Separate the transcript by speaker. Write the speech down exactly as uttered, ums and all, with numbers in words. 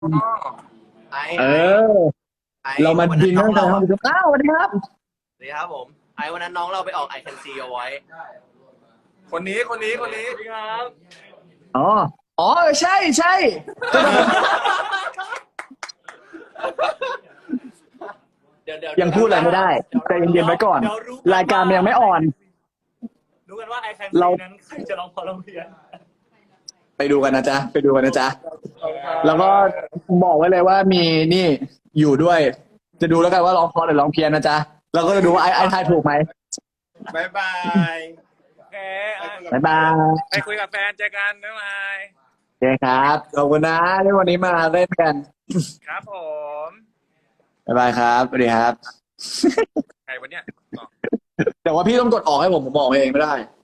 Speaker 1: ไอ
Speaker 2: เอ
Speaker 1: ไอ
Speaker 2: อ
Speaker 1: ไอ
Speaker 2: เรามา
Speaker 1: วัน
Speaker 2: ดิ
Speaker 1: นั้น
Speaker 2: น
Speaker 1: น้อ
Speaker 2: กั
Speaker 1: ง
Speaker 2: นใน
Speaker 1: เรา
Speaker 2: ห้องประชุมอ้าวสวัสดีครับ
Speaker 1: สวัสดีครับผมไอวันนั้นน้องเราไปออก I Can See Your Voice
Speaker 3: คนนี้คนนี้คนนี้
Speaker 1: ครับ
Speaker 2: อ๋อ อ๋อ ใช่ใช่ก็แบบ
Speaker 1: เดี๋ยวเดี๋ยว
Speaker 2: ยังพูดอะไรไม่ได้ใจเย็นๆไว้ก่อน
Speaker 1: ดี๋วรู้
Speaker 2: รายการมันยังไม่ออน
Speaker 1: รู้กันว่า I Can
Speaker 2: เรา
Speaker 1: See นั้นใครจะร้องพอร้องเพี้ยน
Speaker 2: ไปดูกันนะจ๊ะ ไปดูกันนะจ๊ะ แล้วก็บอกไว้เลยว่ามีนี่อยู่ด้วย จะดูแล้วกันว่าร้องเพราะหรือร้องเพี้ยนนะจ๊ะ เราก็จะดูว่าไอ้ไอ้ทายถูกไหม
Speaker 3: บายบาย
Speaker 1: โอเค
Speaker 2: บ๊ายบาย
Speaker 1: ไปคุยกับแฟนเจอกันบ๊ายบาย
Speaker 2: โอเคครับ ขอบคุณนะที่วันนี้มาเล่นกัน
Speaker 1: ครับผม
Speaker 2: บ๊ายบายครับ สวัสดีครับ
Speaker 1: ใครวันเนี้ย
Speaker 2: แต่ว่าพี่ต้องกดออกให้ผมผมบอกเองไม่ได้